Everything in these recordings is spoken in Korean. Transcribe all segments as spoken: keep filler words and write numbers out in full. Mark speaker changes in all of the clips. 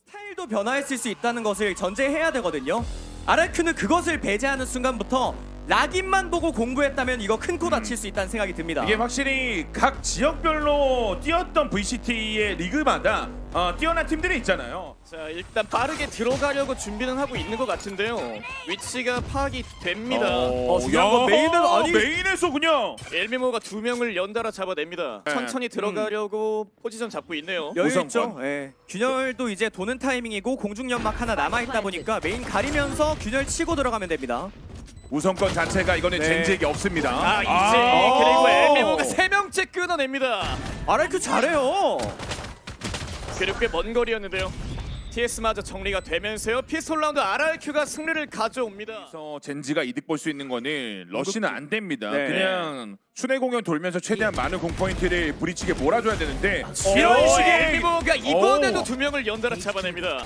Speaker 1: 스타일도 변화했을 수 있다는 것을 전제해야 되거든요. 아라큐는 그것을 배제하는 순간부터 락인만 보고 공부했다면 이거 큰 코 다칠 수 있다는 생각이 듭니다.
Speaker 2: 이게 확실히 각 지역별로 뛰었던 브이씨티의 리그마다 어, 뛰어난 팀들이 있잖아요.
Speaker 3: 자, 일단 빠르게 들어가려고 준비는 하고 있는 것 같은데요. 위치가 파악이 됩니다.
Speaker 1: 어, 중요한 건 메인은 아니-
Speaker 2: 메인에서 그냥
Speaker 3: 엘미모가 두 명을 연달아 잡아냅니다.
Speaker 2: 네.
Speaker 3: 천천히 들어가려고 포지션 잡고 있네요.
Speaker 1: 여유
Speaker 2: 우선권.
Speaker 1: 있죠. 예. 균열도 이제 도는 타이밍이고 공중 연막 하나 남아 있다 보니까 메인 가리면서 균열 치고 들어가면 됩니다.
Speaker 2: 우선권 자체가 이거는
Speaker 1: 네.
Speaker 2: 젠지에게 없습니다.
Speaker 3: 아, 이제
Speaker 2: 아.
Speaker 3: 그리고 엘미모가 세 명째 끊어냅니다.
Speaker 1: 아라큐 잘해요.
Speaker 3: 그리고 꽤 먼 거리였는데요. 티에스마저 정리가 되면서요. 피스톨 라운드 알알큐가 승리를 가져옵니다.
Speaker 2: 그래서 젠지가 이득 볼 수 있는 거는 러시는 안 됩니다.
Speaker 1: 네.
Speaker 2: 그냥 순회 공연 돌면서 최대한 많은 공포인트를 브리치게 몰아줘야 되는데
Speaker 3: 이런
Speaker 2: 오,
Speaker 3: 식의
Speaker 2: 예.
Speaker 3: 엘미모가 이번에도
Speaker 2: 오.
Speaker 3: 두 명을 연달아 잡아냅니다.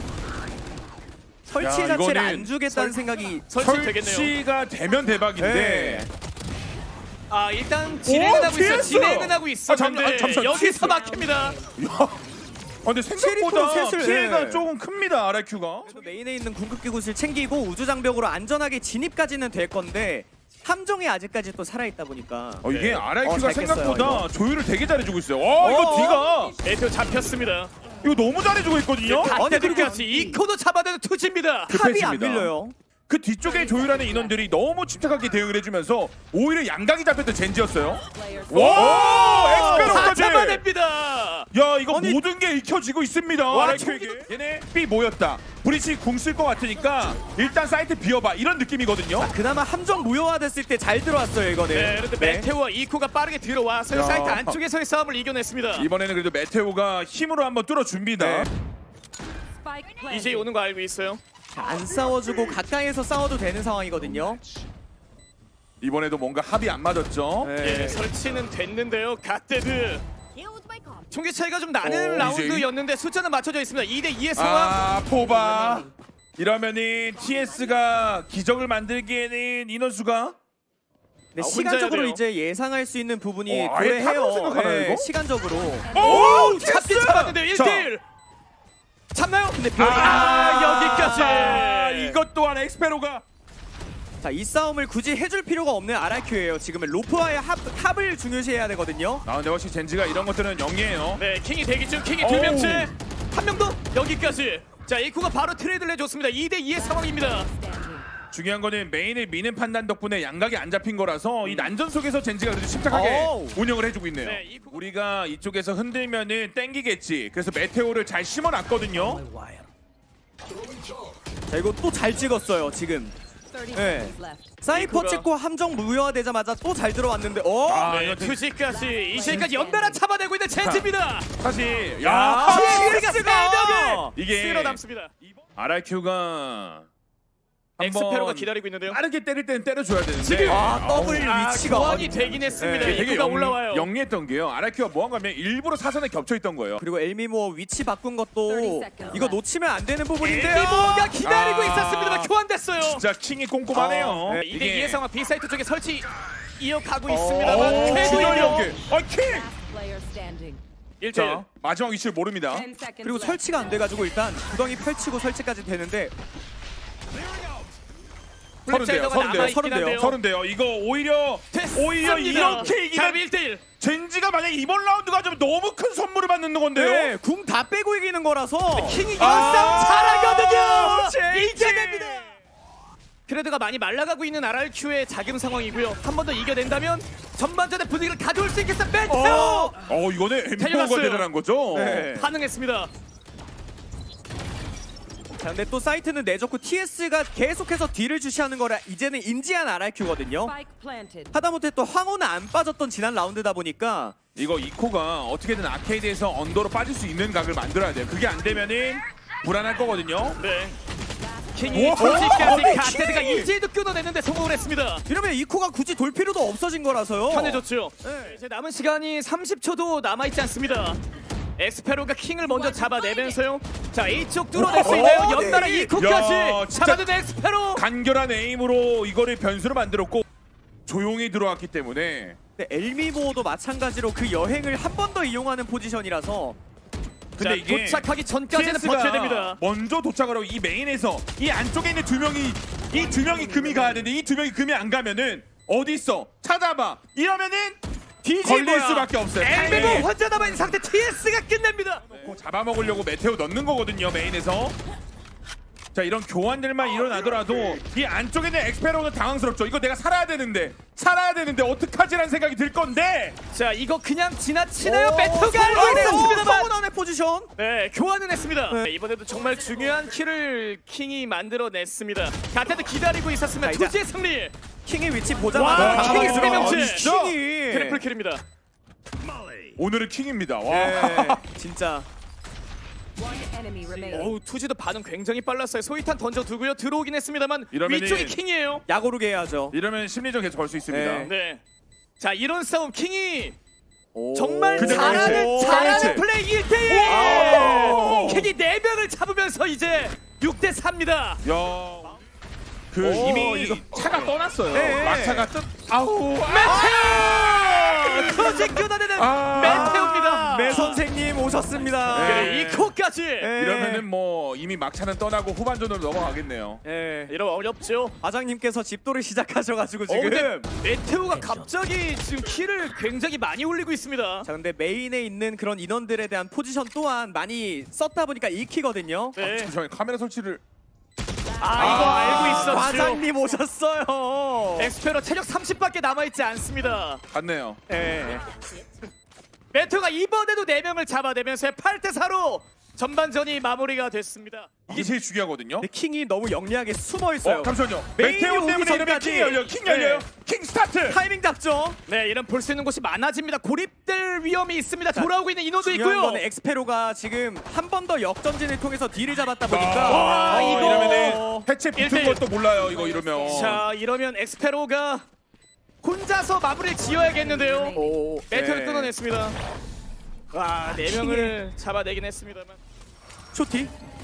Speaker 1: 설치
Speaker 2: 야,
Speaker 1: 자체를
Speaker 2: 이거는
Speaker 1: 안 주겠다는 생각이
Speaker 3: 설치 되겠네요.
Speaker 2: 설치가 되면 대박인데
Speaker 1: 네.
Speaker 3: 아, 일단 진행은
Speaker 2: 오,
Speaker 3: 하고 있어.
Speaker 2: 티에스!
Speaker 3: 진행은 하고 있어.
Speaker 2: 아, 잠- 아, 잠시만,
Speaker 3: 여기서
Speaker 2: 티에스.
Speaker 3: 막힙니다.
Speaker 2: 야, 아, 근데 생각보다
Speaker 1: 칠이 셋을,
Speaker 2: 피해가
Speaker 1: 예.
Speaker 2: 조금 큽니다. 아라큐가.
Speaker 1: 그래도 메인에 있는 궁극기 굿을 챙기고 우주 장벽으로 안전하게 진입까지는 될 건데 함정이 아직까지 또 살아있다 보니까
Speaker 2: 어, 이게
Speaker 3: 네.
Speaker 2: 아라큐가
Speaker 1: 어, 잘
Speaker 2: 생각보다
Speaker 1: 깼어요,
Speaker 2: 조율을 되게 잘해주고 있어요. 와 이거
Speaker 1: 어,
Speaker 2: 뒤가
Speaker 3: 메테오 잡혔습니다.
Speaker 2: 이거 너무 잘해주고 있거든요.
Speaker 3: 갓데드까지 이 코도 잡아내는 투지입니다.
Speaker 1: 탑이 안
Speaker 2: 급했습니다.
Speaker 1: 밀려요.
Speaker 2: 그 뒤쪽에 조율하는 인원들이 너무 침착하게 대응을 해주면서 오히려 양각이 잡혔던 젠지였어요. 와,
Speaker 3: 다
Speaker 2: 엑스페로까지.
Speaker 3: 잡아냅니다.
Speaker 2: 야 이거
Speaker 1: 아니,
Speaker 2: 모든 게 익혀지고 있습니다.
Speaker 3: 와,
Speaker 2: 아라큐에게. 얘네 B 모였다. 브리치 궁 쓸 것 같으니까 일단 사이트 비워봐 이런 느낌이거든요.
Speaker 1: 그나마 함정 무효화됐을 때 잘 들어왔어요 이거는.
Speaker 3: 네, 그런데 메테오와 이코가 빠르게 들어와서
Speaker 2: 야.
Speaker 3: 사이트 안쪽에서의 싸움을 이겨냈습니다.
Speaker 2: 이번에는 그래도 메테오가 힘으로 한번 뚫어줍니다.
Speaker 1: 네.
Speaker 3: 이제 오는 거 알고 있어요.
Speaker 1: 안 싸워주고 가까이에서 싸워도 되는 상황이거든요.
Speaker 2: 이번에도 뭔가 합이 안 맞았죠.
Speaker 1: 네.
Speaker 3: 예, 설치는 됐는데요. 갓데드. 총기 차이가 좀 나는
Speaker 2: 오,
Speaker 3: 라운드였는데 숫자는 맞춰져 있습니다. 이 대 이의 상황.
Speaker 2: 아 포바. 이러면은 티에스가 기적을 만들기에는 인원수가
Speaker 1: 네,
Speaker 3: 아,
Speaker 1: 시간적으로
Speaker 3: 혼자야 돼요.
Speaker 1: 이제 예상할 수 있는 부분이
Speaker 2: 어, 아예 탑으로
Speaker 1: 도래해요.
Speaker 2: 생각하나요, 이거?
Speaker 1: 시간적으로.
Speaker 2: 오
Speaker 3: 잡긴
Speaker 2: 티에스!
Speaker 3: 잡았는데요. 일
Speaker 2: 자,
Speaker 3: 대 일. 잡나요?
Speaker 1: 근데 별...
Speaker 3: 아, 여기까지.
Speaker 2: 아, 이것 또한 엑스페로가
Speaker 1: 자, 이 싸움을 굳이 해줄 필요가 없는 아라큐예요. 지금은 로프와의 합, 합을 중요시해야 되거든요.
Speaker 2: 아 근데 확실히 젠지가 이런 것들은 영리해요.
Speaker 3: 네, 킹이 대기 중. 킹이
Speaker 2: 오우.
Speaker 3: 두 명째. 한 명 더. 여기까지. 자, 이코가 바로 트레이드를 해줬습니다. 이 대 이의 상황입니다.
Speaker 2: 중요한 거는 메인을 미는 판단 덕분에 양각이 안 잡힌 거라서 이 난전 속에서 젠지가 그래도 침착하게
Speaker 1: 오우.
Speaker 2: 운영을 해주고 있네요.
Speaker 3: 네, 이 부-
Speaker 2: 우리가 이쪽에서 흔들면은 땡기겠지. 그래서 메테오를 잘 심어놨거든요.
Speaker 1: 자, 이거 또 잘 찍었어요, 지금. 네. 사이퍼
Speaker 3: 이코가-
Speaker 1: 찍고 함정 무효화되자마자 또 잘 들어왔는데, 어?
Speaker 2: 아,
Speaker 3: 네,
Speaker 2: 이거
Speaker 3: 투지까지 이제까지 연달아 잡아내고 있는 젠지입니다.
Speaker 2: 사실
Speaker 1: 아,
Speaker 2: 야
Speaker 3: 티에스가
Speaker 1: 티에스가!
Speaker 3: 이게
Speaker 2: 이게
Speaker 3: 쓸어 담습니다.
Speaker 2: 아라큐가
Speaker 3: 엑스페로가
Speaker 2: 한번
Speaker 3: 기다리고 있는데요.
Speaker 2: 빠르게 때릴 때는 때려줘야 되는데
Speaker 3: 지금!
Speaker 1: 아, 더블
Speaker 3: 아,
Speaker 1: 위치가.
Speaker 3: 교환이 되긴 했습니다.
Speaker 1: 네,
Speaker 2: 되게
Speaker 3: 이코가
Speaker 2: 영,
Speaker 3: 올라와요.
Speaker 2: 영리했던 게요. 아라큐가 뭐 한 거면 일부러 사선에 겹쳐 있던 거예요.
Speaker 1: 그리고 엘미모 위치 바꾼 것도 이거 놓치면 안 되는 부분인데요.
Speaker 3: 엘미모가 기다리고
Speaker 2: 아.
Speaker 3: 있었습니다만 교환됐어요.
Speaker 2: 진짜 킹이 꼼꼼하네요.
Speaker 1: 어,
Speaker 3: 네, 이 대 이의 상황 B 사이트 쪽에 설치 이어가고
Speaker 1: 어,
Speaker 3: 있습니다만
Speaker 2: 오,
Speaker 3: 쾌도
Speaker 2: 진짜
Speaker 3: 이요
Speaker 2: 연계. 아 킹!
Speaker 3: 일 대 일.
Speaker 2: 자 마지막 위치를 모릅니다.
Speaker 1: 그리고 설치가 안 돼가지고 일단 구덩이 펼치고 설치까지 되는데
Speaker 2: 서른대요,
Speaker 3: 플랩사이더가
Speaker 2: 서른대요,
Speaker 3: 남아있긴
Speaker 1: 서른대요.
Speaker 3: 한데요.
Speaker 2: 서른대요. 이거 오히려 오히려 이렇게 이기면
Speaker 3: 일 대 일.
Speaker 2: 젠지가 만약 이번 라운드가 좀 너무 큰 선물을 받는 건데요.
Speaker 1: 네, 궁 다 빼고 이기는 거라서
Speaker 3: 킹이
Speaker 2: 아,
Speaker 3: 연싸움 잘하거든요.
Speaker 1: 젠지!
Speaker 3: 이겨냅니다. 크레드가 많이 말라가고 있는 알알큐의 자금 상황이고요. 한 번 더 이겨낸다면 전반전의 분위기를 가져올 수 있겠어. 메테오
Speaker 1: 어.
Speaker 2: 어 이거는 엠포가
Speaker 3: 달려갔어요.
Speaker 2: 대단한 거죠.
Speaker 1: 네.
Speaker 3: 반응했습니다.
Speaker 1: 자, 근데 또 사이트는 내줬고 티에스가 계속해서 뒤를 주시하는 거라 이제는 인지한 알알큐거든요. 하다못해 또 황호는 안 빠졌던 지난 라운드다 보니까
Speaker 2: 이거 이코가 어떻게든 아케이드에서 언더로 빠질 수 있는 각을 만들어야 돼요. 그게 안 되면은 불안할 거거든요.
Speaker 3: 네. 킹이
Speaker 2: 와,
Speaker 3: 솔직까지
Speaker 2: 킹이!
Speaker 3: 가테드가 이제도 끊어내는데 성공을 했습니다.
Speaker 1: 이러면 이코가 굳이 돌 필요도 없어진 거라서요.
Speaker 3: 편해졌죠.
Speaker 1: 네.
Speaker 3: 이제 남은 시간이 삼십 초도 남아있지 않습니다. 엑스페로가 킹을 먼저 잡아내면서요. 자, A쪽 뚫어낼 수 있나요?
Speaker 1: 어,
Speaker 3: 연달아
Speaker 1: 네.
Speaker 3: 이코까지
Speaker 2: 야, 진짜-
Speaker 3: 잡아낸 엑스페로.
Speaker 2: 간결한 에임으로 이거를 변수로 만들었고 조용히 들어왔기 때문에
Speaker 1: 근데 엘미모도 마찬가지로 그 여행을 한 번 더 이용하는 포지션이라서
Speaker 2: 근데 이게
Speaker 3: 도착하기 전까지는
Speaker 2: 티에스가
Speaker 3: 버텨야 됩니다.
Speaker 2: 먼저 도착을 하고 이 메인에서 이 안쪽에 있는 두 명이 이 두 명이 금이 가야 되는데 이 두 명이 금이 안 가면은 어디 있어? 찾아봐. 이러면은
Speaker 3: 뒤진
Speaker 2: 걸릴
Speaker 3: 거야.
Speaker 2: 수밖에 없어요.
Speaker 3: 엘베고
Speaker 2: 타이밍이.
Speaker 3: 혼자 남아있는 상태 티에스가 끝냅니다.
Speaker 2: 놓고 잡아먹으려고 메테오 넣는 거거든요, 메인에서. 자, 이런 교환들만 일어나더라도 이 안쪽에 있는 엑스페로는 당황스럽죠. 이거 내가 살아야 되는데 살아야 되는데 어떡하지라는 생각이 들 건데.
Speaker 3: 자 이거 그냥 지나치네요.
Speaker 1: 오,
Speaker 3: 메테오가
Speaker 1: 성공!
Speaker 3: 알고 있었습니다만.
Speaker 1: 성원원의 포지션.
Speaker 3: 네, 교환은 했습니다.
Speaker 1: 네.
Speaker 3: 네, 이번에도 정말 중요한 킬을 킹이 만들어냈습니다. 가테도 기다리고 있었으면
Speaker 1: 자, 이제-
Speaker 3: 투지의 승리.
Speaker 1: 킹의 위치
Speaker 3: 와,
Speaker 1: 보자마자
Speaker 3: 킹이
Speaker 1: 당황했어요.
Speaker 3: 세 명째.
Speaker 1: 아니, 킹이.
Speaker 3: 트리플 킬입니다.
Speaker 2: 오늘은 킹입니다. 와.
Speaker 1: 네, 진짜.
Speaker 4: One enemy remaining.
Speaker 3: 어우 투지도 반응 굉장히 빨랐어요. 소이탄 던져두고요. 들어오긴 했습니다만
Speaker 2: 이러면은-
Speaker 3: 위쪽이 킹이에요.
Speaker 1: 야구르게 해야죠.
Speaker 2: 이러면 심리적 계속 걸 수 있습니다.
Speaker 1: 네.
Speaker 3: 네. 자 이런 싸움 킹이
Speaker 1: 오.
Speaker 3: 정말
Speaker 2: 그냥
Speaker 3: 잘하는
Speaker 2: 그렇지.
Speaker 3: 잘하는
Speaker 2: 그렇지.
Speaker 3: 플레이 일 대일.
Speaker 2: 오.
Speaker 3: 킹이 네 명을 잡으면서 이제 육 대 사입니다.
Speaker 2: 야. 그
Speaker 1: 오,
Speaker 2: 이미
Speaker 1: 이거-
Speaker 2: 차가 떠났어요.
Speaker 1: 네.
Speaker 2: 막차가 뜨. 아우.
Speaker 3: 메테오! 터지 끊어내는
Speaker 2: 아.
Speaker 3: 메테오입니다.
Speaker 1: 매 선생님 오셨습니다.
Speaker 2: 네.
Speaker 3: 그래 이코까지.
Speaker 1: 네.
Speaker 2: 이러면은 뭐 이미 막차는 떠나고 후반전으로 넘어가겠네요.
Speaker 1: 예.
Speaker 3: 이러면 어렵죠.
Speaker 1: 과장님께서 집도를 시작하셔가지고
Speaker 3: 어,
Speaker 1: 지금.
Speaker 3: 근데 메테오가 갑자기 지금 키를 굉장히 많이 올리고 있습니다.
Speaker 1: 자 근데 메인에 있는 그런 인원들에 대한 포지션 또한 많이 썼다 보니까 익히거든요.
Speaker 3: 네.
Speaker 2: 잠시만요. 카메라 설치를.
Speaker 3: 아 이거
Speaker 2: 아,
Speaker 3: 알고 있었죠.
Speaker 1: 과장님 오셨어요.
Speaker 3: 엑스페로 체력 삼십밖에 남아있지 않습니다.
Speaker 2: 갔네요.
Speaker 1: 예.
Speaker 3: 메테오가 이번에도 네 명을 잡아내면서 팔 대 사로 전반전이 마무리가 됐습니다.
Speaker 2: 이게 제일 중요하거든요.
Speaker 1: 근데 킹이 너무 영리하게 숨어 있어요.
Speaker 2: 어, 잠시만요.
Speaker 1: 메인이
Speaker 2: 메테오
Speaker 1: 오기
Speaker 2: 때문에 이러면
Speaker 1: 전까지.
Speaker 2: 킹 열려요. 킹 열려요.
Speaker 1: 네.
Speaker 2: 킹 스타트.
Speaker 1: 타이밍 잡죠.
Speaker 3: 네, 이런 볼 수 있는 곳이 많아집니다. 고립될 위험이 있습니다. 돌아오고 있는 인원도
Speaker 1: 중요한
Speaker 3: 있고요.
Speaker 1: 거는 엑스페로가 지금 한 번 더 역전진을 통해서 딜을 잡았다 보니까
Speaker 3: 와,
Speaker 2: 아,
Speaker 3: 이거.
Speaker 2: 이러면은 해체 붙은
Speaker 3: 일 대 일.
Speaker 2: 것도 몰라요. 이거 이러면.
Speaker 3: 자, 이러면 엑스페로가 혼자서 마무리를 지어야겠는데요.
Speaker 1: 오,
Speaker 3: 메테오를
Speaker 1: 네.
Speaker 3: 끊어냈습니다. 와, 네 명을 잡아내긴 했습니다만.
Speaker 1: 쇼티.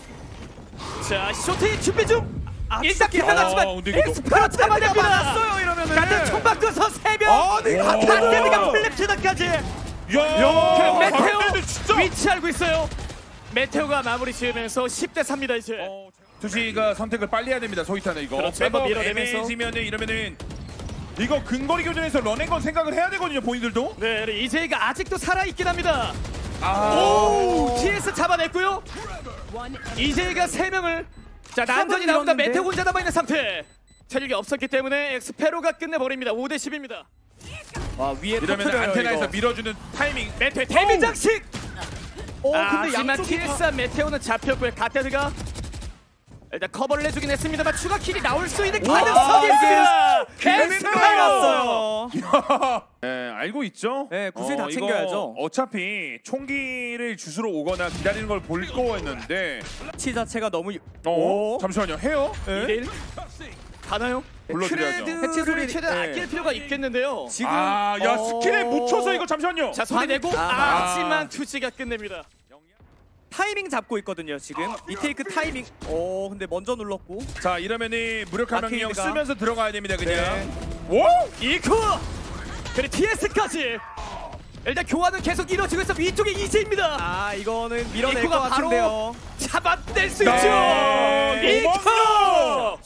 Speaker 3: 자, 쇼트 준비 중.
Speaker 1: 아,
Speaker 3: 일단
Speaker 1: 진짜
Speaker 3: 끝나갔지만
Speaker 2: 아, 근데 이거
Speaker 3: 엑스페로 잡아냅니다.
Speaker 1: 많았어요 이러면은.
Speaker 3: 같은 총 바꿔서 세 명.
Speaker 1: 아, 네, 같은
Speaker 3: 갓데드가 플립치다까지.
Speaker 2: 야,
Speaker 3: 그럼 메테오
Speaker 2: 갓데드 진짜.
Speaker 3: 위치 알고 있어요. 메테오가 마무리 지으면서 십 대 사입니다 이제.
Speaker 2: 어, 투시가 선택을 빨리 해야 됩니다. 소이타는 이거.
Speaker 3: 그렇죠.
Speaker 2: 백업
Speaker 3: 한번 밀어내면서.
Speaker 2: 애매해지면은 이러면은 이거 근거리 교전에서 런앤건 생각을 해야 되거든요. 본인들도.
Speaker 3: 네, 이제이가 아직도 살아있긴 합니다.
Speaker 2: 아.
Speaker 3: 오, 티에스 잡아냈고요.
Speaker 4: One
Speaker 3: 이제이가 세 명을. 자, 난전이
Speaker 1: 탑을
Speaker 3: 나옵니다.
Speaker 1: 밀었는데.
Speaker 3: 메테오 혼자 남아있는 상태. 체력이 없었기 때문에 엑스페로가 끝내버립니다. 오 대 십입니다.
Speaker 1: 와 위에
Speaker 2: 이러면
Speaker 1: 터트려요,
Speaker 2: 안테나에서
Speaker 1: 이거.
Speaker 2: 밀어주는 타이밍.
Speaker 3: 메테오 데뷔 장식.
Speaker 1: 오,
Speaker 3: 아,
Speaker 1: 근데
Speaker 3: 하지만
Speaker 1: 양쪽이 다-
Speaker 3: 티에스와 메테오는 잡혔고요. 갓데드가 일단 커버를 해주긴 했습니다만 추가 킬이 나올 수 있는
Speaker 1: 와,
Speaker 3: 가능성이 있습니다.
Speaker 1: 엑스페로
Speaker 3: 엑스페로!
Speaker 1: 갔어요.
Speaker 2: 네, 알고 있죠.
Speaker 1: 네, 구슬 다
Speaker 2: 이거
Speaker 1: 챙겨야죠.
Speaker 2: 어차피 총기를 주스러 오거나 기다리는 걸 볼 거였는데.
Speaker 1: 치 자체가 너무
Speaker 2: 어,
Speaker 1: 오.
Speaker 2: 잠시만요. 해요?
Speaker 1: 네.
Speaker 3: 이 대 일 가나요?
Speaker 2: 불러드려야죠.
Speaker 3: 해체 소리를 최대한
Speaker 1: 네.
Speaker 3: 아낄 필요가 있겠는데요.
Speaker 1: 지금
Speaker 2: 아, 야
Speaker 1: 어.
Speaker 2: 스킬에 묻혀서 이거 잠시만요.
Speaker 3: 자, 소리 내고
Speaker 1: 아.
Speaker 3: 하지만 투지가 끝냅니다.
Speaker 1: 타이밍 잡고 있거든요 지금 리테이크 타이밍. 오 근데 먼저 눌렀고.
Speaker 2: 자, 이러면은 무력화 명령
Speaker 1: 아케이드가.
Speaker 2: 쓰면서 들어가야 됩니다. 그냥.
Speaker 1: 네.
Speaker 2: 오!
Speaker 3: 이코 그리고 티에스까지 일단 교환은 계속 이루어지고 있어. 위쪽에 이제입니다.
Speaker 1: 아 이거는 밀어낼 것
Speaker 3: 이코가 바로
Speaker 1: 같은데요.
Speaker 3: 잡아낼 수
Speaker 2: 네.
Speaker 3: 있죠. 이코.
Speaker 2: 도망가!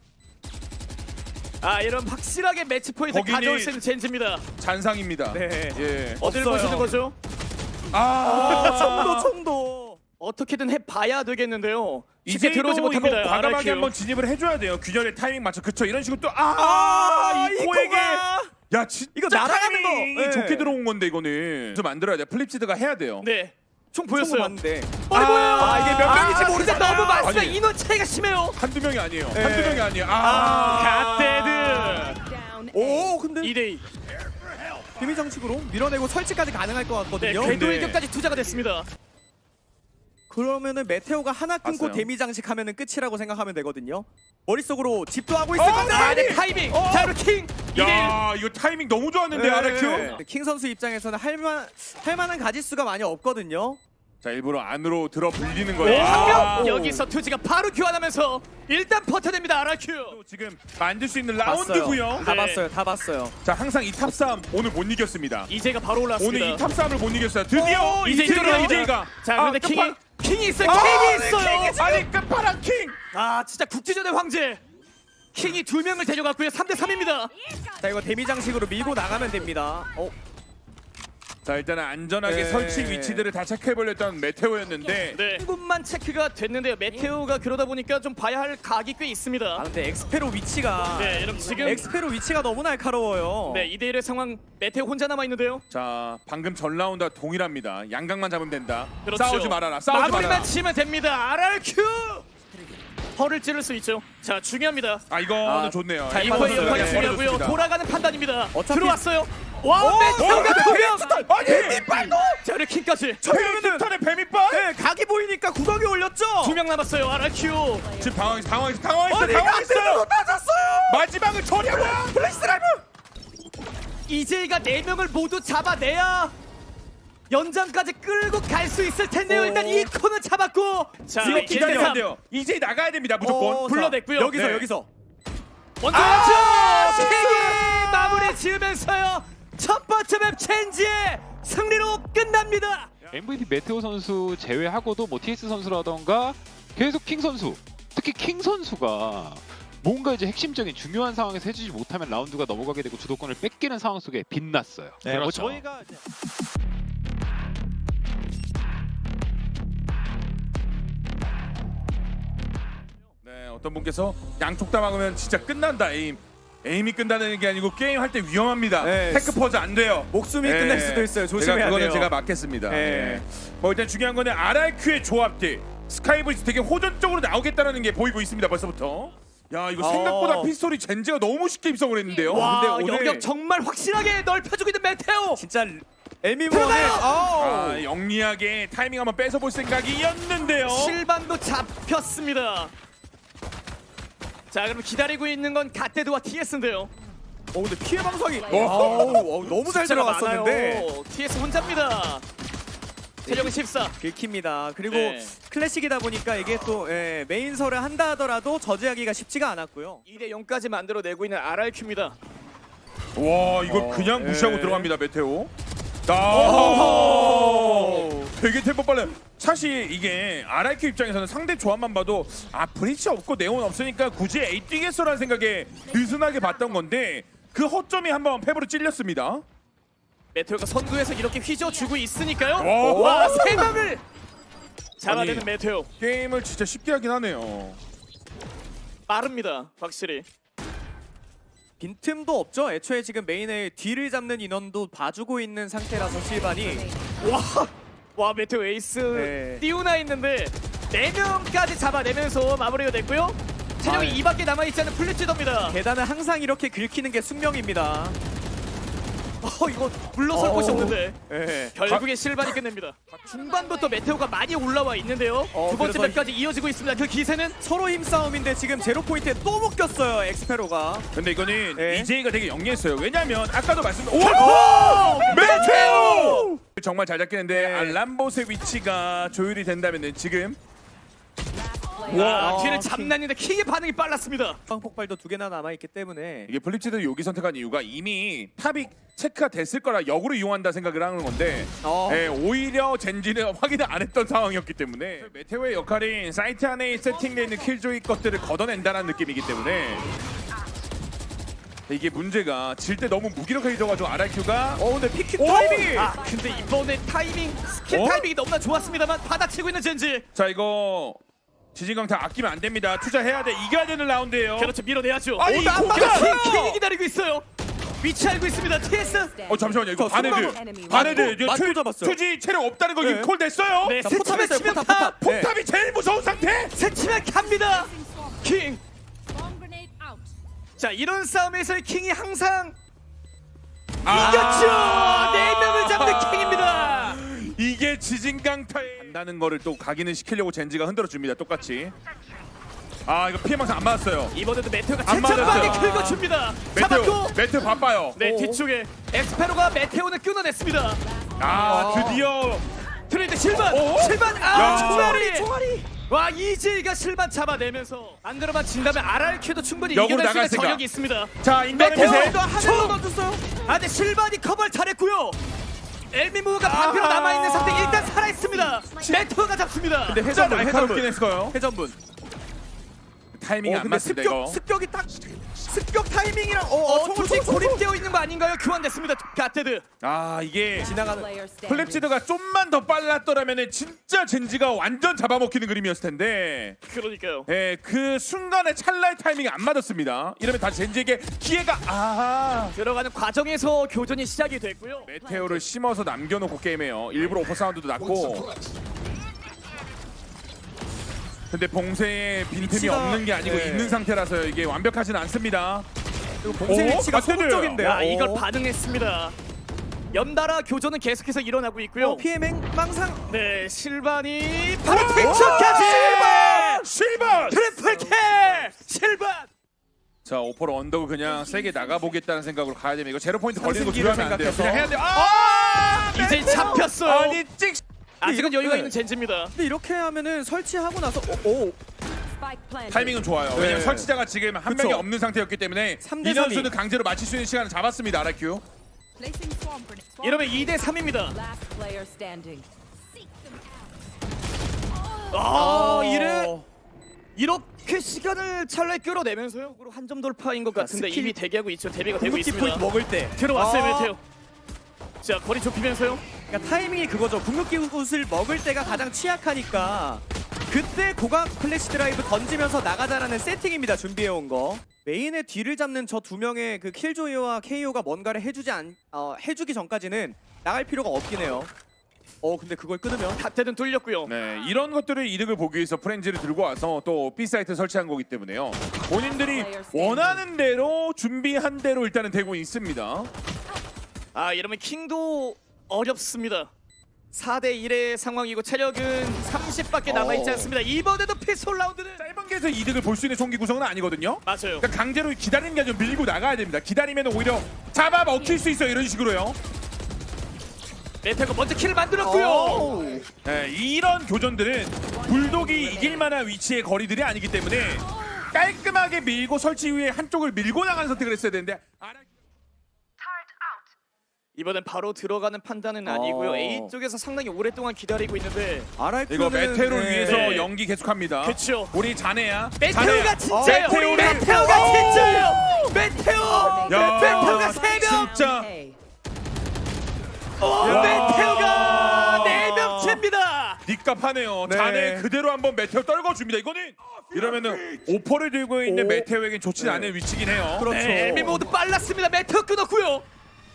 Speaker 3: 아 이런 확실하게 매치 포인트
Speaker 2: 거기니-
Speaker 3: 가져올 수 있는 젠지입니다.
Speaker 2: 잔상입니다.
Speaker 1: 네.
Speaker 2: 예.
Speaker 3: 어디를
Speaker 1: 없어요.
Speaker 3: 보시는 거죠?
Speaker 2: 아,
Speaker 1: 총도 총도.
Speaker 3: 어떻게든 해봐야 되겠는데요. 쉽게
Speaker 2: 이제도
Speaker 3: 들어오지
Speaker 2: 이거
Speaker 3: 못합니다.
Speaker 2: 과감하게
Speaker 3: 알아큐.
Speaker 2: 한번 진입을 해줘야 돼요. 균열의 타이밍 맞춰. 그쵸? 이런 식으로 또 아,
Speaker 1: 아,
Speaker 2: 이코에게.
Speaker 1: 이코가.
Speaker 2: 야, 진짜
Speaker 1: 이거 날아가는 거.
Speaker 2: 타이밍이
Speaker 1: 네.
Speaker 2: 좋게 들어온 건데 이거는 좀 만들어야 돼. 플립시드가 해야 돼요.
Speaker 3: 네. 총
Speaker 1: 총
Speaker 3: 보였어요.
Speaker 1: 맞는데.
Speaker 3: 어이구야.
Speaker 1: 아, 이게 몇 명인지
Speaker 3: 아,
Speaker 1: 모르겠다.
Speaker 3: 진짜 너무 많습니다.
Speaker 2: 아니.
Speaker 3: 인원 차이가 심해요.
Speaker 2: 한두 명이 아니에요.
Speaker 1: 네.
Speaker 2: 한두 명이 아니에요. 아,
Speaker 3: 갓데드
Speaker 4: down.
Speaker 1: 오 근데
Speaker 3: 이 대 이.
Speaker 1: 비밀 장식으로 밀어내고 설치까지 가능할 것
Speaker 3: 네,
Speaker 1: 같거든요.
Speaker 3: 궤도
Speaker 2: 네.
Speaker 3: 일격까지 투자가 됐습니다.
Speaker 1: 그러면은 메테오가 하나끊고
Speaker 2: 봤어요.
Speaker 1: 데미 장식하면은 끝이라고 생각하면 되거든요. 머릿속으로 집도 하고 있을
Speaker 2: 어,
Speaker 1: 건데.
Speaker 3: 아, 네,
Speaker 2: 아니.
Speaker 3: 타이밍.
Speaker 2: 어.
Speaker 3: 자, 그리고 킹. 이 대 일.
Speaker 2: 야, 이거 타이밍 너무 좋았는데 아라큐.
Speaker 1: 킹 선수 입장에서는 할만 할만한 가짓수가 많이 없거든요.
Speaker 2: 자 일부러 안으로 들어 불리는
Speaker 3: 오,
Speaker 2: 거예요.
Speaker 3: 한
Speaker 2: 아,
Speaker 3: 명! 여기서 투지가 바로 교환하면서 일단 버텨냅니다 알알큐.
Speaker 2: 또 지금 만들 수 있는
Speaker 1: 봤어요.
Speaker 2: 라운드고요.
Speaker 1: 다
Speaker 3: 네.
Speaker 1: 봤어요. 다 봤어요.
Speaker 2: 자 항상 이 탑싸움 오늘 못 이겼습니다.
Speaker 3: 이제가 바로 올랐습니다.
Speaker 2: 오늘 이 탑싸움을 못 이겼어요. 드디어
Speaker 3: 오, 이제
Speaker 2: 드디어
Speaker 3: 들어갑니다.
Speaker 2: 이제가.
Speaker 3: 자 그런데
Speaker 2: 아,
Speaker 3: 킹이
Speaker 2: 끝판-
Speaker 3: 킹이 있어요.
Speaker 2: 아,
Speaker 3: 킹이
Speaker 2: 네,
Speaker 3: 있어요.
Speaker 2: 킹이 지금- 아니 끝판왕 킹.
Speaker 3: 아 진짜 국지전의 황제. 킹이 두 명을 데려갔고요. 삼 대 삼입니다.
Speaker 1: 자 이거 데미 장식으로 밀고 나가면 됩니다. 어,
Speaker 2: 자 일단은 안전하게
Speaker 1: 네.
Speaker 2: 설치 위치들을 다 체크해보려던 메테오였는데
Speaker 3: 네. 한 곳만 체크가 됐는데요. 메테오가 그러다 보니까 좀 봐야 할 각이 꽤 있습니다.
Speaker 1: 아 근데 엑스페로 위치가
Speaker 3: 네, 여러분 지금
Speaker 1: 엑스페로 위치가 너무 날카로워요.
Speaker 3: 네, 이 대 일의 상황 메테오 혼자 남아 있는데요.
Speaker 2: 자 방금 전 라운드와 동일합니다. 양각만 잡으면 된다.
Speaker 3: 그렇죠.
Speaker 2: 싸우지 말아라. 싸우지
Speaker 3: 마무리만
Speaker 2: 말아라.
Speaker 3: 치면 됩니다. 알알큐. 허를 찌를 수 있죠. 자 중요합니다.
Speaker 2: 아 이거는
Speaker 1: 아,
Speaker 2: 좋네요.
Speaker 1: 잘
Speaker 2: 이거는
Speaker 3: 이거의 역할이
Speaker 1: 네,
Speaker 3: 중요하고요.
Speaker 2: 어려졌습니다.
Speaker 3: 돌아가는 판단입니다.
Speaker 1: 어차피-
Speaker 3: 들어왔어요. 와 메테오가 두 명.
Speaker 2: 아니 빗발도
Speaker 3: 자 우리 킹까지
Speaker 2: 그러면은 턴의 뱀이빨.
Speaker 1: 네, 각이 보이니까 구덩이 올렸죠.
Speaker 3: 두 명 남았어요. 알알큐.
Speaker 2: 지금 당황했어. 당황했어. 당황했어.
Speaker 1: 아니
Speaker 2: 당황했어요.
Speaker 1: 맞았어요.
Speaker 2: 마지막을 처리하고 플래시 드라이브.
Speaker 3: 이제이가 네 명을 모두 잡아내야 연장까지 끌고 갈 수 있을 텐데요.
Speaker 1: 오.
Speaker 3: 일단 이 코는 잡았고 자
Speaker 2: 지금
Speaker 3: 일 대
Speaker 2: 기다려야
Speaker 3: 삼.
Speaker 2: 돼요. 이제 나가야 됩니다. 무조건.
Speaker 1: 어,
Speaker 3: 불러냈고요.
Speaker 1: 자, 여기서
Speaker 2: 네.
Speaker 1: 여기서.
Speaker 3: 먼저
Speaker 1: 아!
Speaker 3: 세 개 마무리 지으면서요. 첫 번째 맵 체인지의 승리로 끝납니다.
Speaker 5: 엠브이피 메테오 선수 제외하고도 뭐 티에스 선수라던가 계속 킹 선수, 특히 킹 선수가 뭔가 이제 핵심적인 중요한 상황에서 해주지 못하면 라운드가 넘어가게 되고 주도권을 뺏기는 상황 속에 빛났어요.
Speaker 1: 네, 뭐 저희가 이제-
Speaker 2: 네, 어떤 분께서 양쪽 다 막으면 진짜 끝난다. 에임. 에임이 끝나는 게 아니고 게임 할 때 위험합니다.
Speaker 1: 네.
Speaker 2: 테크 퍼즈 안 돼요.
Speaker 1: 목숨이 끝날 수도 있어요. 조심해야
Speaker 2: 제가 그거는
Speaker 1: 돼요.
Speaker 2: 제가 막겠습니다.
Speaker 1: 네.
Speaker 2: 예. 뭐 일단 중요한 거는 알알큐의 조합들. 스카이브리스 되게 호전적으로 나오겠다는 게 보이고 있습니다. 벌써부터. 야 이거
Speaker 1: 어.
Speaker 2: 생각보다 피스톨이 젠지가 너무 쉽게 입성을 했는데요.
Speaker 3: 와
Speaker 2: 근데 오늘
Speaker 3: 영역 정말 확실하게 넓혀주고 있는 메테오.
Speaker 1: 진짜 에미모는
Speaker 3: 들어가요!
Speaker 2: 아, 영리하게 타이밍 한번 뺏어볼 생각이었는데요.
Speaker 3: 실반도 잡혔습니다. 자 그럼 기다리고 있는 건 갓데드와 티에스인데요.
Speaker 1: 어 근데 피해 방송이
Speaker 2: 오.
Speaker 1: 아우, 어우, 너무 잘
Speaker 3: 숫자가
Speaker 1: 들어갔었는데
Speaker 3: 많아요. 티에스 혼자입니다. 체력은 십사.
Speaker 1: 긁힙니다. 그리고
Speaker 3: 네.
Speaker 1: 클래식이다 보니까 이게 또 예, 메인설을 한다 하더라도 저지하기가 쉽지가 않았고요.
Speaker 3: 이 대 영까지 만들어내고 있는 알알큐입니다.
Speaker 2: 와 이걸
Speaker 1: 어,
Speaker 2: 그냥 무시하고
Speaker 1: 예.
Speaker 2: 들어갑니다 메테오. 아 되게 템포 빨라요. 사실 이게 알알큐 입장에서는 상대 조합만 봐도 아 브리치 없고 네온 없으니까 굳이 에이 뛰겠어라는 생각에 느슨하게 봤던 건데 그 허점이 한번 패브로 찔렸습니다.
Speaker 3: 메테오가 선두에서 이렇게 휘저어주고 있으니까요.
Speaker 2: 오.
Speaker 3: 와, 세 명을 잡아내는
Speaker 2: 아니.
Speaker 3: 메테오.
Speaker 2: 게임을 진짜 쉽게 하긴 하네요.
Speaker 3: 빠릅니다, 확실히.
Speaker 1: 빈틈도 없죠. 애초에 지금 메인의 뒤를 잡는 인원도 봐주고 있는 상태라서 실반이
Speaker 3: 와, 와 메테오 에이스
Speaker 1: 네.
Speaker 3: 띄우나 있는데 네 명까지 잡아내면서 마무리가 됐고요. 체력이
Speaker 1: 아, 예.
Speaker 3: 이밖에 남아있지 않은 플리츠더입니다.
Speaker 1: 계단은 항상 이렇게 긁히는 게 숙명입니다.
Speaker 3: 어, 이거 물러설
Speaker 1: 어우.
Speaker 3: 곳이 없는데
Speaker 1: 예.
Speaker 3: 결국에 실반이 끝냅니다. 중반부터 메테오가 많이 올라와 있는데요.
Speaker 1: 어,
Speaker 3: 두 번째
Speaker 1: 그래서
Speaker 3: 맵까지 이어지고 있습니다. 그 기세는
Speaker 1: 서로 힘싸움인데 지금 제로 포인트에 또 묶였어요. 엑스페로가.
Speaker 2: 근데 이거는
Speaker 1: 네.
Speaker 2: 이제이가 되게 영리했어요. 왜냐면 아까도 말씀드린
Speaker 1: 오!
Speaker 2: 메테오! 정말 잘 잡겠는데
Speaker 1: 네.
Speaker 2: 알람봇의 위치가 조율이 된다면은 지금
Speaker 3: 와,
Speaker 1: 어,
Speaker 3: 뒤를
Speaker 1: 킹.
Speaker 3: 잡나는데 킹의 반응이 빨랐습니다.
Speaker 1: 폭발도 두 개나 남아있기 때문에
Speaker 2: 이게 플립치드 여기 선택한 이유가 이미 탑이 체크가 됐을 거라 역으로 이용한다 생각을 하는 건데
Speaker 1: 어.
Speaker 2: 예, 오히려 젠지는 확인을 안 했던 상황이었기 때문에 메테오의 역할인 사이트 안에 세팅되어 있는 킬조이 것들을 걷어낸다는 느낌이기 때문에 이게 문제가 질 때 너무 무기력하게 져가지고 알알큐가
Speaker 1: 어 근데 피킹
Speaker 2: 오!
Speaker 1: 타이밍이
Speaker 3: 아, 근데 이번에 타이밍, 스킬
Speaker 2: 어?
Speaker 3: 타이밍이 너무나 좋았습니다만 받아치고 있는 젠지.
Speaker 2: 자 이거 지진강타 아끼면 안 됩니다. 투자해야 돼. 이겨야 되는 라운드예요.
Speaker 3: 그렇죠, 밀어내야죠.
Speaker 2: 아니,
Speaker 3: 오, 나
Speaker 2: 공격!
Speaker 3: 킹, 킹이 기다리고 있어요. 위치 알고 있습니다. 티에스.
Speaker 2: 어 잠시만요. 이거
Speaker 1: 저
Speaker 2: 바네드
Speaker 4: 순간-
Speaker 2: 바네드
Speaker 1: 맞고-
Speaker 2: 이거
Speaker 1: 맞고
Speaker 2: 투-
Speaker 1: 잡았어요.
Speaker 2: 투지 체력 없다는 거
Speaker 1: 네.
Speaker 2: 이거 콜 됐어요.
Speaker 3: 네,
Speaker 1: 자,
Speaker 3: 세
Speaker 1: 포탑
Speaker 3: 치면
Speaker 1: 했어요,
Speaker 3: 치면
Speaker 1: 포탑,
Speaker 3: 탑.
Speaker 1: 포탑. 네.
Speaker 2: 폭탑이 제일 무서운 상태.
Speaker 3: 세 치면 갑니다. 킹.
Speaker 4: Bomb grenade out.
Speaker 3: 자, 이런 싸움에서 킹이 항상
Speaker 2: 아.
Speaker 3: 이겼죠. 네 명을 잡는 킹입니다.
Speaker 2: 이게 지진강타에 한다는 거를 또 각인을 시키려고 젠지가 흔들어 줍니다. 똑같이. 아 이거 피해 망상 안 맞았어요.
Speaker 3: 이번에도 메테오가
Speaker 2: 안
Speaker 3: 최전방에
Speaker 2: 맞았어요.
Speaker 3: 긁어줍니다.
Speaker 2: 메테오
Speaker 3: 잡았고.
Speaker 2: 메테오 바빠요.
Speaker 3: 네,
Speaker 1: 오.
Speaker 3: 뒤쪽에 엑스페로가 메테오는 끊어냈습니다.
Speaker 2: 아 드디어
Speaker 3: 트레이드 실반
Speaker 2: 어?
Speaker 3: 실반
Speaker 2: 야.
Speaker 3: 아 총알이 총알이 와 이제이가 실반 잡아내면서 안 들어만 진다면 알알큐도 충분히
Speaker 2: 역으로
Speaker 3: 이겨낼 수
Speaker 2: 나갈
Speaker 3: 있는
Speaker 2: 생각.
Speaker 3: 저력이 있습니다.
Speaker 2: 자 인터넷
Speaker 3: 메테오
Speaker 2: 미세
Speaker 3: 도 하늘로 던졌어요. 아 근데 실반이 커버를 잘했고요. 엘미무가 반피로
Speaker 2: 아하.
Speaker 3: 남아있는 상태 일단 살아있습니다. 메테오가 잡습니다.
Speaker 1: 근데
Speaker 2: 진짜
Speaker 1: 회전분
Speaker 2: 날카롭긴
Speaker 1: 회전분
Speaker 2: 했어요.
Speaker 1: 회전분.
Speaker 2: 타이밍이
Speaker 1: 어,
Speaker 2: 안
Speaker 1: 근데
Speaker 2: 맞습니다
Speaker 1: 습격
Speaker 2: 이거.
Speaker 1: 습격이 딱 습격 타이밍이랑 어,
Speaker 3: 어,
Speaker 1: 어,
Speaker 3: 조직 고립되어 있는 거 아닌가요? 교환됐습니다. 가테드.
Speaker 2: 아 이게
Speaker 1: 지나가는
Speaker 4: Player standing.
Speaker 2: 플립지드가 좀만 더 빨랐더라면 진짜 젠지가 완전 잡아먹히는 그림이었을 텐데
Speaker 3: 그러니까요.
Speaker 2: 예, 그 순간의 찰나의 타이밍이 안 맞았습니다. 이러면 다시 젠지에게 기회가 아
Speaker 3: 들어가는 과정에서 교전이 시작이 됐고요.
Speaker 2: 메테오를 심어서 남겨놓고 게임해요. 일부러 오퍼 사운드도 났고 근데 봉쇄에 빈틈이
Speaker 1: 위치가-
Speaker 2: 없는 게 아니고
Speaker 1: 네.
Speaker 2: 있는 상태라서 이게 완벽하진 않습니다.
Speaker 1: 그리고 봉쇄
Speaker 2: 오,
Speaker 1: 위치가
Speaker 2: 가테드.
Speaker 1: 소극적인데요.
Speaker 3: 야 이걸
Speaker 1: 어.
Speaker 3: 반응했습니다. 연달아 교전은 계속해서 일어나고 있고요.
Speaker 1: 어, 피엠행 망상.
Speaker 3: 네 실반이 바로
Speaker 2: 오!
Speaker 3: 텍처까지
Speaker 2: 실반! 실반!
Speaker 3: 트리플 킬 실반.
Speaker 2: 자 오퍼로 언더고 그냥 세게 나가보겠다는 생각으로 가야 됩니다. 이거 제로 포인트 걸리는 거
Speaker 1: 삼승기를
Speaker 2: 두려우면 안 돼요.
Speaker 1: 생각해서.
Speaker 2: 그냥 해야 돼요. 아!
Speaker 3: 이제 잡혔어요.
Speaker 2: 아니 찍
Speaker 3: 아직은
Speaker 1: 이거-
Speaker 3: 여유가
Speaker 1: 네.
Speaker 3: 있는 젠지입니다.
Speaker 1: 근데 이렇게 하면은 설치하고 나서 오, 오.
Speaker 4: Spike planted.
Speaker 2: 타이밍은 좋아요. 왜냐면
Speaker 1: 네.
Speaker 2: 설치자가 지금 한
Speaker 1: 그쵸.
Speaker 2: 명이 없는 상태였기 때문에
Speaker 1: 삼 대
Speaker 2: 이현수는
Speaker 1: 삼이.
Speaker 2: 강제로 맞출 수 있는 시간을 잡았습니다. 아라큐.
Speaker 4: Placing swarm grenade. Swarm
Speaker 3: 이러면 이 대 삼입니다.
Speaker 4: Last player standing.
Speaker 3: 아 이래 이렇게 시간을 찰나에 끌어내면서요. 한 점 돌파인 것 같은데
Speaker 1: 스킬-
Speaker 3: 이미 대기하고 있죠. 대비가 되고
Speaker 1: 궁극기
Speaker 3: 있습니다.
Speaker 1: 포인트 먹을 때
Speaker 3: 들어왔어요
Speaker 1: 아.
Speaker 3: 메테오. 자 거리 좁히면서요.
Speaker 1: 그러니까 타이밍이 그거죠. 궁극기 옷을 먹을 때가 가장 취약하니까 그때 고각 플래시 드라이브 던지면서 나가자라는 세팅입니다. 준비해온 거. 메인의 뒤를 잡는 저 두 명의 그 킬조이와 케이오가 뭔가를 해주지 않 어, 해주기 전까지는 나갈 필요가 없긴 해요. 어 근데 그걸 끊으면
Speaker 3: 갓테는 뚫렸고요.
Speaker 2: 네, 이런 것들을 이득을 보기 위해서 프렌즈를 들고 와서 또 B 사이트 설치한 거기 때문에요. 본인들이 원하는 대로 준비한 대로 일단은 되고 있습니다.
Speaker 3: 아 이러면 킹도 어렵습니다. 사 대 일의 상황이고 체력은 삼십밖에 남아있지
Speaker 2: 어.
Speaker 3: 않습니다. 이번에도 피스톨 라운드는
Speaker 2: 짧은 게에서 이득을 볼 수 있는 총기 구성은 아니거든요.
Speaker 3: 맞아요.
Speaker 2: 그러니까 강제로 기다리는 게 아니라 밀고 나가야 됩니다. 기다리면 오히려 잡아 먹힐 수 있어요. 이런 식으로요.
Speaker 3: 메테오가 먼저 킬을 만들었고요.
Speaker 1: 오.
Speaker 2: 네, 이런 교전들은 불독이 이길 만한 위치의 거리들이 아니기 때문에 깔끔하게 밀고 설치 이후에 한쪽을 밀고 나가는 선택을 했어야 되는데 아라-
Speaker 3: 이번엔 바로 들어가는 판단은 아니고요.
Speaker 1: 어.
Speaker 3: A 쪽에서 상당히 오랫동안 기다리고 있는데
Speaker 1: 아라이큐는
Speaker 2: 이거 메테오를 위해서
Speaker 3: 네.
Speaker 2: 연기 계속합니다.
Speaker 3: 그쵸.
Speaker 2: 우리 자네야.
Speaker 3: 메테오가
Speaker 2: 자네야.
Speaker 3: 진짜예요.
Speaker 2: 어, 메테오를-
Speaker 3: 메테오가 진짜예요. 메테오.
Speaker 2: 야,
Speaker 3: 메테오가 세 명.
Speaker 2: 진짜.
Speaker 4: A.
Speaker 3: 오,
Speaker 2: 야.
Speaker 3: 메테오가 네 명째입니다.
Speaker 2: 니값 하네요.
Speaker 1: 네.
Speaker 2: 자네 그대로 한번 메테오 떨궈줍니다. 이거는 이러면은 오퍼를 들고 있는
Speaker 1: 오.
Speaker 2: 메테오에겐 좋지
Speaker 1: 네.
Speaker 2: 않은 위치긴 해요.
Speaker 1: 그렇죠.
Speaker 3: 네, 엘미 모두 빨랐습니다. 메테오 끊었고요.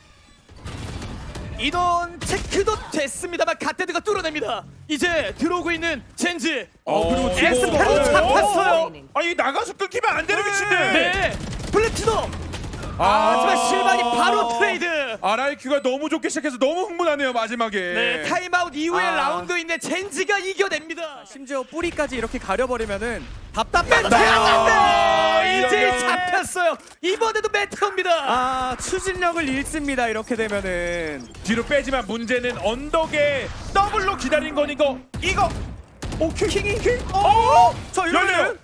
Speaker 3: 인원 체크도 됐습니다만 갓데드가 뚫어냅니다. 이제 들어오고 있는 젠지.
Speaker 2: 어, 그리고 지금-
Speaker 3: 에스페로
Speaker 2: 어,
Speaker 3: 잡혔어요.
Speaker 2: 아니 나가서 끊기면 안 되는 위치인데.
Speaker 3: 네, 플래티넘.
Speaker 2: 아,
Speaker 3: 하지만 실반이 바로 트레이드.
Speaker 2: 아라이큐가 너무 좋게 시작해서 너무 흥분하네요 마지막에.
Speaker 3: 네, 타임아웃 이후의
Speaker 1: 아.
Speaker 3: 라운드인데 젠지가 이겨냅니다.
Speaker 1: 심지어 뿌리까지 이렇게 가려버리면은 답답하다.
Speaker 3: 메테오! 이제
Speaker 2: 이러면-
Speaker 3: 잡혔어요. 이번에도 메테오입니다.
Speaker 1: 아 추진력을 잃습니다. 이렇게 되면은
Speaker 2: 뒤로 빼지만 문제는 언덕에 더블로 기다린 거니까 이거 오케이 킹이 킹. 어?
Speaker 1: 자
Speaker 2: 열려요.
Speaker 1: 이러면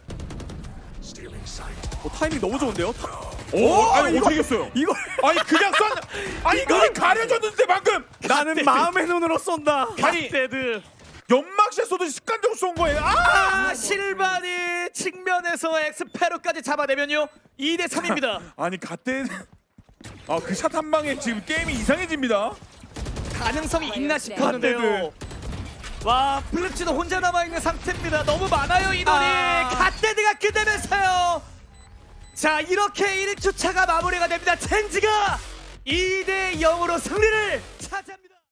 Speaker 1: 어, 타이밍 너무 좋은데요?
Speaker 2: 오, 아니
Speaker 1: 이거-
Speaker 2: 어떻게 했어요?
Speaker 1: 이걸
Speaker 2: 아니 그냥 쏜. 아니 이거 가려졌는데 방금.
Speaker 1: 나는 마음의 눈으로 쏜다.
Speaker 2: 아니
Speaker 3: 갓데드.
Speaker 2: 연막샷 쏘듯이 습관적으로 쏜 거예요. 아!
Speaker 3: 아, 실반이 측면에서 엑스페로까지 잡아내면요 이 대 삼입니다.
Speaker 2: 아니 갓대. 아그 샷 한 방에 지금 게임이 이상해집니다.
Speaker 3: 가능성이 있나 싶었는데요. 와, 블랙치도 혼자 남아있는 상태입니다. 너무 많아요 인원이.
Speaker 1: 아.
Speaker 3: 갓데드가 끝내면서요. 자, 이렇게 일 주차가 마무리가 됩니다. 젠지가 이 대 영으로 승리를 차지합니다.